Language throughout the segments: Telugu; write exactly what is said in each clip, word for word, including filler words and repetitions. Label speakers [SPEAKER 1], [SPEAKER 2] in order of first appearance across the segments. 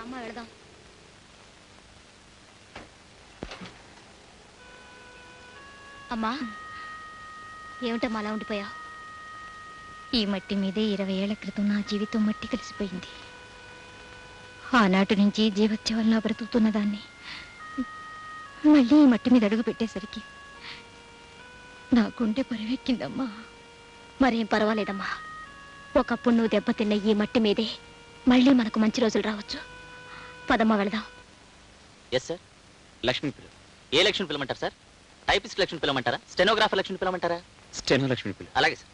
[SPEAKER 1] రామ్మ వెళదాం. అమ్మా, ఏమిటమ్మా అలా ఉండిపోయావు? ఈ మట్టి మీదే ఇరవై ఏళ్ల క్రితం నా జీవితం మట్టి కలిసిపోయింది. ఆనాటి నుంచి జీవత్యవల్లా బ్రతుకుతున్న దాన్ని మళ్ళీ ఈ మట్టి మీద అడుగు పెట్టేసరికి నా గుండె పరివెక్కిందమ్మా. మరేం పర్వాలేదమ్మా, ఒకప్పుడు నువ్వు దెబ్బతిన్న ఈ మట్టి మీదే మళ్ళీ మనకు మంచి రోజులు రావచ్చు. పదమ్మా వెళదాం.
[SPEAKER 2] Yes sir. లక్ష్మి పిల్ల. ఏ లక్ష్మి పిల్లమంటారు సార్? టైపిస్ట్ లక్ష్మి పిల్లమంటారా? స్టెనోగ్రాఫర్ లక్ష్మి పిల్లమంటారా? స్టెనో లక్ష్మి పిల్ల. అలాగే సార్.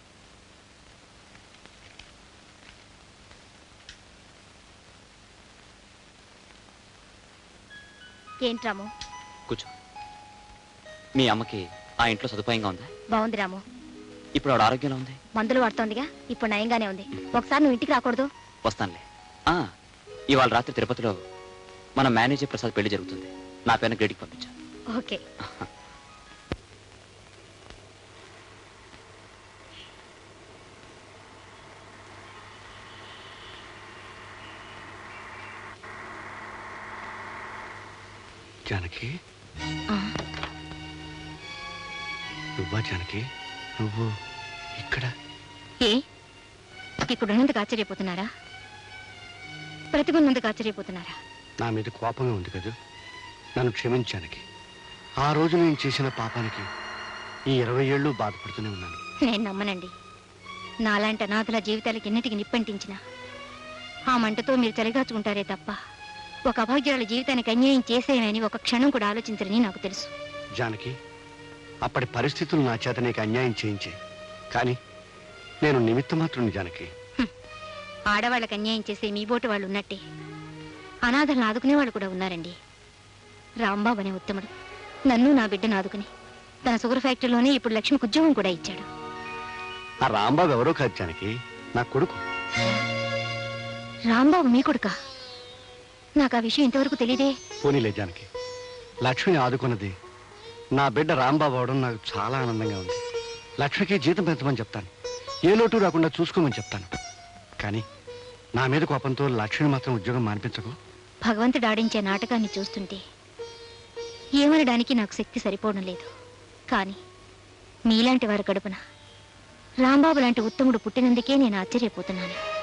[SPEAKER 1] ఏంటి రాము?
[SPEAKER 2] కూర్చో. మీ అమ్మకి ఆ ఇంట్లో సదుపాయంగా ఉందా?
[SPEAKER 1] బాగుంది రాము.
[SPEAKER 2] ఇప్పుడు ఆవిడ ఆరోగ్యంలో ఉంది?
[SPEAKER 1] మందులు వాడుతోందిగా, ఇప్పుడు నయంగానే ఉంది. ఒకసారి నువ్వు ఇంటికి రాకూడదు?
[SPEAKER 2] వస్తానులే. ఇవాళ రాత్రి తిరుపతిలో మన మేనేజర్ ప్రసాద్ పెళ్లి జరుగుతుంది. నా పేరున గ్రేడికి పంపించా.
[SPEAKER 1] ఓకే.
[SPEAKER 3] జానకి, నువ్వా జానకి? నువ్వు ఇక్కడ?
[SPEAKER 1] ఏ ఇక్కడున్నందుకు ఆశ్చర్యపోతున్నారా? బ్రతికున్నందుకు ఆశ్చర్యపోతున్నారా?
[SPEAKER 3] నా మీద కోపంగా ఉంది కదా, నన్ను క్షమించానికి. ఆ రోజు నేను చేసిన పాపానికి ఈ ఇరవై ఏళ్ళు బాధపడుతూనే ఉన్నాను.
[SPEAKER 1] నేను నమ్మనండి. నాలాంటి అనాథల జీవితాలకి ఎన్నిటికి నిప్పంటించిన ఆ మంటతో మీరు చలిగాచుకుంటారే తప్ప ఒక అభాగ్యురాల జీవితానికి అన్యాయం చేసేయమని ఒక క్షణం కూడా ఆలోచించరని నాకు తెలుసు.
[SPEAKER 3] జానకి, అప్పటి పరిస్థితులు నా చేత నీకు అన్యాయం చేయించే, కానీ నేను నిమిత్త మాత్రం. జానకి,
[SPEAKER 1] ఆడవాళ్ళకి అన్యాయం చేసే మీ బోటు వాళ్ళు ఉన్నట్టే అనాథలను ఆదుకునే వాళ్ళు కూడా ఉన్నారండి. రాంబాబు అనే ఉత్తముడు నన్ను నా బిడ్డను ఆదుకుని తన షుగర్ ఫ్యాక్టరీలోనే ఇప్పుడు లక్ష్మికి ఉద్యోగం కూడా ఇచ్చాడు.
[SPEAKER 3] ఆ రాంబాబు ఎవరో కాదు జానకి, నా కొడుకు.
[SPEAKER 1] రాంబాబు మీ కొడుకా? నాకు ఆ విషయం ఇంతవరకు తెలియదే.
[SPEAKER 3] పోనీలే జానకి, లక్ష్మిని ఆదుకున్నది నా బిడ్డ రాంబాబు అవడం నాకు చాలా ఆనందంగా ఉంది. లక్ష్మికి జీతం పెంచమని చెప్తాను, ఏ లోటు రాకుండా చూసుకోమని చెప్తాను. కానీ నా మీద కోపంతో లక్ష్మిని మాత్రం ఉద్యోగం మానిపించకు.
[SPEAKER 1] భగవంతుడు ఆడించే నాటకాన్ని చూస్తుంటే ఏమనడానికి నాకు శక్తి సరిపోవడం లేదు. కానీ మీలాంటి వారి కడుపున రాంబాబు లాంటి ఉత్తముడు పుట్టినందుకే నేను ఆశ్చర్యపోతున్నాను.